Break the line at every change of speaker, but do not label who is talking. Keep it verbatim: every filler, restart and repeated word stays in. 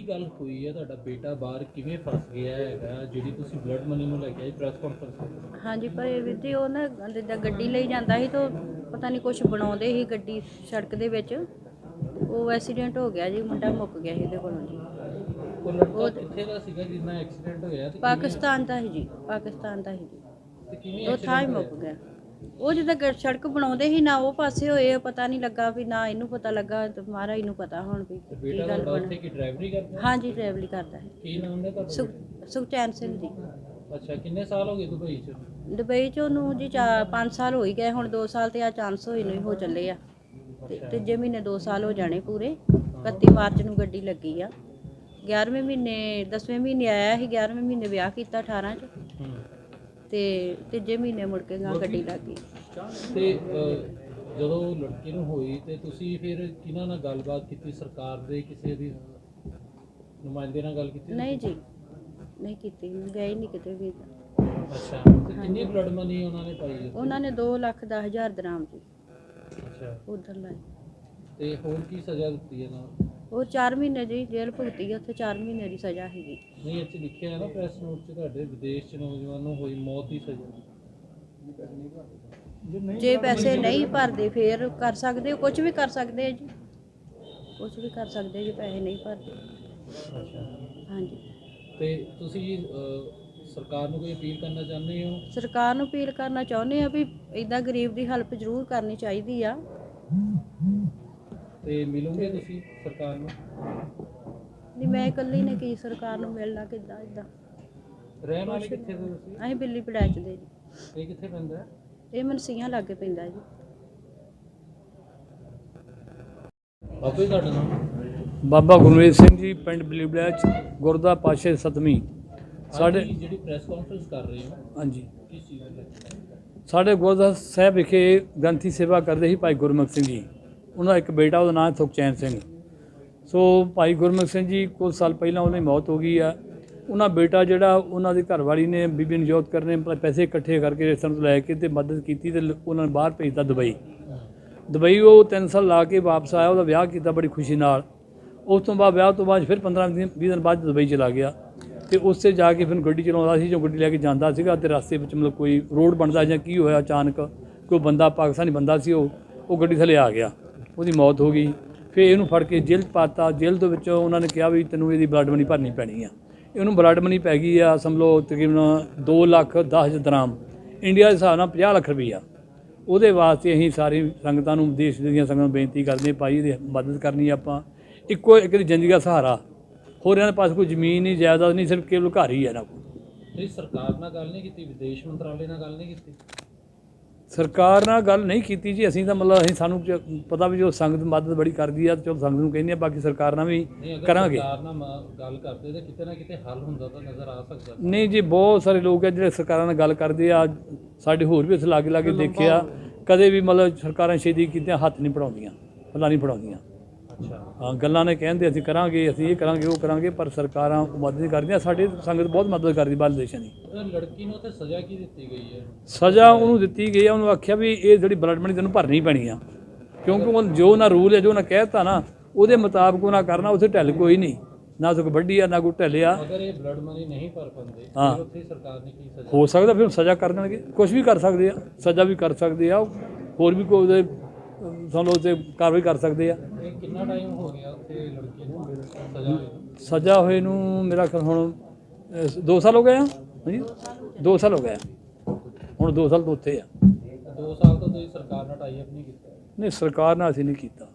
ਕੀ ਗੱਲ ਹੋਈ ਹੈ? ਤੁਹਾਡਾ ਬੇਟਾ ਬਾਹਰ ਕਿਵੇਂ ਫਸ ਗਿਆ ਹੈਗਾ ਜਿਹੜੀ ਤੁਸੀਂ ਬਲੱਡ ਮਨੀ ਨੂੰ ਲੈ ਕੇ ਆਏ ਪ੍ਰੈਸ ਕਾਨਫਰੰਸ?
ਹਾਂਜੀ ਪਰ ਵੀਰ ਜੀ ਉਹ ਨਾ ਜਿੱਦਾਂ ਗੱਡੀ ਲਈ ਜਾਂਦਾ ਸੀ ਤਾਂ ਪਤਾ ਨਹੀਂ ਕੁਛ ਬਣਾਉਂਦੇ ਸੀ ਗੱਡੀ ਸੜਕ ਦੇ ਵਿੱਚ, ਉਹ ਐਕਸੀਡੈਂਟ ਹੋ ਗਿਆ ਜੀ, ਮੁੰਡਾ ਮੁੱਕ ਗਿਆ ਸੀ ਇਹਦੇ ਕੋਲੋਂ ਜੀ।
ਉਹ ਲੜਕਾ ਕਿੱਥੇ ਦਾ ਸੀਗਾ ਜਿੰਨਾ ਐਕਸੀਡੈਂਟ ਹੋਇਆ? ਤੇ
ਪਾਕਿਸਤਾਨ ਦਾ ਸੀ ਜੀ, ਪਾਕਿਸਤਾਨ ਦਾ ਸੀ ਜੀ।
ਤੇ ਕਿਵੇਂ
ਉਹ ਥਾਂ ਹੀ ਮੁੱਕ ਗਿਆ। ਉਹ ਜਿੱਦਾਂ ਗ- ਸੜਕ ਬਣਾਉਂਦੇ ਸੀ ਨਾ ਉਹ ਪਾਸੇ ਹੋਏ, ਪਤਾ ਨਹੀਂ ਲੱਗਾ ਵੀ ਨਾ ਇਹਨੂੰ ਪਤਾ ਲੱਗਾ ਤੇ ਮਹਾਰਾਜ ਨੂੰ ਪਤਾ ਹੁਣ ਵੀ
ਤੇ
ਕੀ
ਬੇਟਾ
ਗੱਲ
ਤੁਹਾਡਾ
ਬਣ।
ਉੱਥੇ ਕੀ ਡਰਾਈਵਰੀ ਕਰਦਾ?
ਹਾਂਜੀ ਡਰਾਈਵਰੀ ਕਰਦਾ ਹੈ।
ਕੀ ਨਾਮ ਹੈ ਤੁਹਾਡਾ?
ਸੁਖ ਸੁਖਚੈਨ ਸਿੰਘ ਜੀ।
ਅੱਛਾ, ਕਿੰਨੇ ਸਾਲ ਹੋ ਗਏ ਦੁਬਈ ਚ?
ਦੁਬਈ 'ਚ ਉਹਨੂੰ ਜੀ ਚਾਰ ਪੰਜ ਸਾਲ ਹੋ ਹੀ ਗਏ, ਹੁਣ ਦੋ ਸਾਲ ਤੇ ਆ ਚਾਂਸ ਹੋਏ ਨੂੰ ਹੀ ਹੋ ਚੱਲੇ ਆ। ਤੇ ਤੀਜੇ ਮਹੀਨੇ ਦੋ ਸਾਲ ਹੋ ਜਾਣੇ ਪੂਰੇ। ਇਕੱਤੀ ਮਾਰਚ ਨੂੰ ਗੱਡੀ ਲੱਗੀ ਆ। ਗਿਆਰ੍ਹਵੇਂ ਮਹੀਨੇ ਦਸਵੇਂ ਮਹੀਨੇ ਆਇਆ ਸੀ, ਗਿਆਰ੍ਹਵੇਂ ਮਹੀਨੇ ਵਿਆਹ ਕੀਤਾ ਅਠਾਰਾਂ 'ਚ, ਤੇ ਤੀਜੇ ਮਹੀਨੇ ਮੁੜ ਕੇ ਗਾਂ ਗੱਡੀ ਲੱਗ ਗਈ।
ਤੇ ਅਹ, ਜਦੋਂ ਲੜਕੀ ਨੂੰ ਹੋਈ ਤੇ ਤੁਸੀਂ ਫਿਰ ਕਿਹਨਾਂ ਨਾਲ ਗੱਲਬਾਤ ਕੀਤੀ? ਸਰਕਾਰ ਦੇ ਕਿਸੇ ਦੀ ਨੁਮਾਇੰਦੇ ਨਾਲ ਗੱਲ ਕੀਤੀ?
ਨਹੀਂ ਜੀ ਨਹੀਂ ਕੀਤੀ, ਗਏ ਨਹੀਂ ਕਿਤੇ ਵੀ।
ਅੱਛਾ, ਤੇ ਕਿੰਨੀ ਬਲੱਡ ਮਨੀ ਉਹਨਾਂ ਨੇ ਪਾਈ ਹੈ?
ਉਹਨਾਂ ਨੇ ਦੋ ਲੱਖ ਦਸ ਹਜ਼ਾਰ ਦਰਾਮ ਜੀ
ਅੱਛਾ,
ਉਧਰ ਲਾਏ।
ਤੇ ਹੋਰ ਕੀ ਸਜ਼ਾ ਦਿੱਤੀ ਇਹਨਾਂ ਨੂੰ?
ਉਹ ਚਾਰ ਮਹੀਨੇ ਜੀ ਜੇਲ੍ਹ ਭੁਗਤੀ, ਉੱਥੇ ਚਾਰ ਮਹੀਨੇ ਦੀ ਸਜ਼ਾ ਸੀਗੀ।
ਨਹੀਂ, ਇੱਥੇ ਲਿਖਿਆ ਹੈ ਨਾ ਪ੍ਰੈਸ ਨੋਟ 'ਚ ਤੁਹਾਡੇ ਵਿਦੇਸ਼ 'ਚ ਨੌਜਵਾਨ ਨੂੰ ਹੋਈ ਮੌਤ ਦੀ ਸਜ਼ਾ।
ਜੇ ਪੈਸੇ ਨਹੀਂ ਭਰਦੇ ਫੇਰ ਕਰ ਸਕਦੇ, ਕੁਝ ਵੀ ਕਰ ਸਕਦੇ ਆ ਜੀ, ਕੁਝ ਵੀ ਕਰ ਸਕਦੇ ਜੇ ਪੈਸੇ ਨਹੀਂ ਭਰਦੇ।
ਅੱਛਾ,
ਹਾਂਜੀ,
ਤੇ ਤੁਸੀਂ ਅਹ, ਸਰਕਾਰ ਨੂੰ ਕੋਈ ਅਪੀਲ ਕਰਨਾ ਚਾਹੁੰਦੇ ਹੋ?
ਸਰਕਾਰ ਨੂੰ ਅਪੀਲ ਕਰਨਾ ਚਾਹੁੰਦੇ ਆ ਵੀ ਇਦਾਂ ਗਰੀਬ ਦੀ ਹੈਲਪ ਜ਼ਰੂਰ ਕਰਨੀ ਚਾਹੀਦੀ ਆ।
ਤੇ ਮਿਲੋਗੇ ਤੁਸੀਂ ਸਰਕਾਰ ਨੂੰ?
ਨਹੀਂ ਮੈਂ ਇਕੱਲੀ ਨੇ ਕੀ ਸਰਕਾਰ ਨੂੰ ਮਿਲਣਾ, ਕਿੱਦਾਂ ਇਦਾਂ।
ਰਹਿਣ ਵਾਲੇ ਕਿੱਥੇ ਦੇ ਤੁਸੀਂ?
ਅਸੀਂ ਬਿੱਲੀ ਪੜੈਚ ਦੇ ਜੀ।
ਇਹ ਕਿੱਥੇ ਪੈਂਦਾ ਹੈ?
ਇਹ ਮਨਸੀਆਂ ਲਾਗੇ ਪੈਂਦਾ ਜੀ।
ਬਾਬਾ ਜੀ ਤੁਹਾਡਾ ਨਾਮ?
ਬਾਬਾ ਗੁਰਮੀਤ ਸਿੰਘ ਜੀ, ਪਿੰਡ ਬਲੀਬਲੈਚ, ਗੁਰਦਾ ਪਾਸ਼ੇ ਸਤਵੀਂ। ਸਾਡੇ
ਜਿਹੜੀ ਪ੍ਰੈਸ ਕਾਨਫਰੰਸ ਕਰ ਰਹੇ ਹੋ
ਹਾਂਜੀ,
ਕਿਸ ਚੀਜ਼ ਦੀ?
ਸਾਡੇ ਗੁਰਦਾ ਸਾਹਿਬ ਵਿਖੇ ਗ੍ਰੰਥੀ ਸੇਵਾ ਕਰਦੇ ਸੀ ਭਾਈ ਗੁਰਮੁਖ ਸਿੰਘ ਜੀ। ਉਹਨਾਂ ਦਾ ਇੱਕ ਬੇਟਾ, ਉਹਦਾ ਨਾਮ ਸੁਖਚੈਨ ਸਿੰਘ। ਸੋ ਭਾਈ ਗੁਰਮੁਖ ਸਿੰਘ ਜੀ ਕੁਝ ਸਾਲ ਪਹਿਲਾਂ ਉਹਨਾਂ ਦੀ ਮੌਤ ਹੋ ਗਈ ਆ। ਉਹਨਾਂ ਬੇਟਾ ਜਿਹੜਾ ਉਹਨਾਂ ਦੀ ਘਰਵਾਲੀ ਨੇ ਬੀਬੀ ਨਜੋਤ ਕਰ ਨੇ ਪੈਸੇ ਇਕੱਠੇ ਕਰਕੇ ਰਿਸ਼ਤੇਦਾਰਾਂ ਤੋਂ ਲੈ ਕੇ ਤੇ ਮਦਦ ਕੀਤੀ ਤੇ ਉਹਨਾਂ ਨੂੰ ਬਾਹਰ ਭੇਜਤਾ ਦੁਬਈ। ਦੁਬਈ ਉਹ ਤਿੰਨ ਸਾਲ ਲਾ ਕੇ ਵਾਪਸ ਆਇਆ, ਉਹਦਾ ਵਿਆਹ ਕੀਤਾ ਬੜੀ ਖੁਸ਼ੀ ਨਾਲ। ਉਸ ਤੋਂ ਬਾਅਦ ਵਿਆਹ ਤੋਂ ਬਾਅਦ ਫਿਰ ਪੰਦਰਾਂ ਦਿਨ ਵੀਹ ਦਿਨ ਬਾਅਦ ਦੁਬਈ ਚਲਾ ਗਿਆ ਤੇ ਉੱਥੇ ਜਾ ਕੇ ਫਿਰ ਗੱਡੀ ਚਲਾਉਂਦਾ ਸੀ। ਜੋ ਗੱਡੀ ਲੈ ਕੇ ਜਾਂਦਾ ਸੀਗਾ ਤੇ ਰਸਤੇ ਵਿੱਚ ਮਤਲਬ ਕੋਈ ਰੋਡ ਬਣਦਾ ਜਾਂ ਕੀ ਹੋਇਆ, ਅਚਾਨਕ ਕੋਈ ਬੰਦਾ ਪਾਕਿਸਤਾਨੀ ਬੰਦਾ ਸੀ, ਉਹ ਉਹ ਗੱਡੀ ਥੱਲੇ ਆ ਗਿਆ, ਉਹਦੀ ਮੌਤ ਹੋ ਗਈ। ਫਿਰ ਇਹਨੂੰ ਫੜ ਕੇ ਜੇਲ੍ਹ 'ਚ ਪਾਤਾ। ਜੇਲ੍ਹ ਦੇ ਵਿੱਚ ਉਹਨਾਂ ਨੇ ਕਿਹਾ ਵੀ ਤੈਨੂੰ ਇਹਦੀ ਬਲੱਡ ਮਨੀ ਭਰਨੀ ਪੈਣੀ ਆ। ਇਹਨੂੰ ਬਲੱਡ ਮਨੀ ਪੈ ਗਈ ਆ ਸਮਝੋ ਤਕਰੀਬਨ ਦੋ ਲੱਖ ਦਸ ਹਜ਼ਾਰ ਦਰਾਮ, ਇੰਡੀਆ ਦੇ ਹਿਸਾਬ ਨਾਲ ਪੰਜਾਹ ਲੱਖ ਰੁਪਈਆ। ਉਹਦੇ ਵਾਸਤੇ ਅਸੀਂ ਸਾਰੀ ਸੰਗਤਾਂ ਨੂੰ, ਦੇਸ਼ ਦੀਆਂ ਸੰਗਤਾਂ ਨੂੰ ਬੇਨਤੀ ਕਰਦੇ ਹਾਂ, ਭਾਈ ਇਹਦੀ ਮਦਦ ਕਰਨੀ ਆਪਾਂ। ਇੱਕੋ ਇੱਕ ਦੀ ਜ਼ਿੰਦਗੀ ਦਾ ਸਹਾਰਾ, ਹੋਰ ਇਹਨਾਂ ਦੇ ਪਾਸ ਕੋਈ ਜ਼ਮੀਨ ਨਹੀਂ, ਜਾਇਦਾਦ ਨਹੀਂ, ਸਿਰਫ ਕੇਵਲ ਘਰ ਹੀ ਹੈ ਇਹਨਾਂ ਕੋਲ।
ਤੁਸੀਂ ਸਰਕਾਰ ਨਾਲ ਗੱਲ ਨਹੀਂ ਕੀਤੀ? ਵਿਦੇਸ਼ ਮੰਤਰਾਲੇ ਨਾਲ ਗੱਲ ਨਹੀਂ ਕੀਤੀ?
ਸਰਕਾਰ ਨਾਲ ਗੱਲ ਨਹੀਂ ਕੀਤੀ ਜੀ ਅਸੀਂ ਤਾਂ, ਮਤਲਬ ਅਸੀਂ ਸਾਨੂੰ ਜ- ਪਤਾ ਵੀ ਜੋ ਸੰਗਤ ਮਦਦ ਬੜੀ ਕਰਦੀ ਆ, ਚਲੋ ਸੰਗਤ ਨੂੰ ਕਹਿੰਦੇ ਆ, ਬਾਕੀ ਸਰਕਾਰ ਨਾਲ ਵੀ
ਨਹੀਂ, ਅਗਰ
ਕਰਾਂਗੇ।
ਸਰਕਾਰ ਨਾਲ ਮ- ਗੱਲ ਕਰਦੇ ਤਾਂ ਕਿਤੇ ਨਾ ਕਿਤੇ ਹੱਲ ਹੁੰਦਾ ਤਾਂ ਨਜ਼ਰ ਆ ਸਕਦਾ।
ਨਹੀਂ ਜੀ, ਬਹੁਤ ਸਾਰੇ ਲੋਕ ਆ ਜਿਹੜੇ ਸਰਕਾਰਾਂ ਨਾਲ ਗੱਲ ਕਰਦੇ ਆ। ਸਾਡੇ ਹੋਰ ਵੀ ਅਸੀਂ ਲਾਗੇ ਲਾਗੇ ਦੇਖਿਆ, ਕਦੇ ਵੀ ਮਤਲਬ ਸਰਕਾਰਾਂ ਛੇਤੀ ਕੀਤੀਆਂ ਹੱਥ ਨਹੀਂ ਪੜਾਉਂਦੀਆਂ, ਫਲਾਂ ਨਹੀਂ ਪੜਾਉਂਦੀਆਂ।
ਅੱਛਾ,
ਹਾਂ, ਗੱਲਾਂ ਨੇ ਕਹਿੰਦੇ ਅਸੀਂ ਕਰਾਂਗੇ, ਅਸੀਂ ਇਹ ਕਰਾਂਗੇ, ਉਹ ਕਰਾਂਗੇ, ਪਰ ਸਰਕਾਰਾਂ ਮਦਦ ਨਹੀਂ ਕਰਦੀਆਂ। ਸਾਡੀ ਸੰਗਤ ਬਹੁਤ ਮਦਦ ਕਰਦੀ ਬਾਹਰਲੇ ਦੇਸ਼ਾਂ ਦੀ।
ਉਹ ਲੜਕੀ ਨੂੰ ਉੱਥੇ ਸਜ਼ਾ ਕੀ ਦਿੱਤੀ ਗਈ ਹੈ?
ਸਜ਼ਾ ਉਹਨੂੰ ਦਿੱਤੀ ਗਈ ਆ, ਉਹਨੂੰ ਆਖਿਆ ਵੀ ਇਹ ਜਿਹੜੀ ਬਲੱਡ ਮਨੀ ਤੈਨੂੰ ਭਰਨੀ ਪੈਣੀ ਆ, ਕਿਉਂਕਿ ਉਹ ਜੋ ਨਾ ਰੂਲ ਹੈ, ਜੋ ਨਾ ਕਹਿਤਾ ਨਾ ਉਹਦੇ ਮੁਤਾਬਕ ਉਹਨਾਂ ਕਰਨਾ। ਉੱਥੇ ਢਿੱਲ ਕੋਈ ਨਹੀਂ, ਨਾ ਕੋਈ ਵੱਡੀ ਆ ਨਾ ਕੋਈ ਢਿੱਲਿਆ।
ਅਗਰ ਇਹ ਬਲੱਡ ਮਨੀ ਨਹੀਂ ਭਰ ਪਾਉਂਦੇ
ਹਾਂ।
ਫਿਰ ਉੱਥੇ ਸਰਕਾਰ ਨੇ ਕੀ ਸਜ਼ਾ?
ਹੋ ਸਕਦਾ ਫਿਰ ਸਜ਼ਾ ਕਰ ਦੇਣਗੇ, ਕੁਝ ਵੀ ਕਰ ਸਕਦੇ ਆ, ਸਜ਼ਾ ਵੀ ਕਰ ਸਕਦੇ ਆ, ਹੋਰ ਵੀ ਕੋਈ ਉਹਦੇ ਸਾਨੂੰ ਉੱਤੇ ਕਾਰਵਾਈ ਕਰ ਸਕਦੇ ਆ।
ਇਹ ਕਿੰਨਾ ਟਾਈਮ ਹੋ ਗਿਆ ਉੱਥੇ ਲੜਕੀ ਨੂੰ ਸਜ਼ਾ ਹੋਈ?
ਸਜ਼ਾ ਹੋਏ ਨੂੰ ਮੇਰਾ ਖਿਆਲ ਹੁਣ ਅਹ, ਦੋ ਸਾਲ ਹੋ ਗਏ ਆ। ਹਾਂਜੀ, ਦੋ ਸਾਲ ਹੋ ਗਏ ਆ। ਹੁਣ ਦੋ ਸਾਲ ਤੋਂ ਉੱਥੇ ਆ।
ਦੋ ਸਾਲ ਤੋਂ ਤੁਸੀਂ ਸਰਕਾਰ ਨਾਲ ਟਾਈ ਅਪ ਨਹੀਂ ਕੀਤਾ?
ਨਹੀਂ, ਸਰਕਾਰ ਨਾਲ ਅਸੀਂ ਨਹੀਂ ਕੀਤਾ।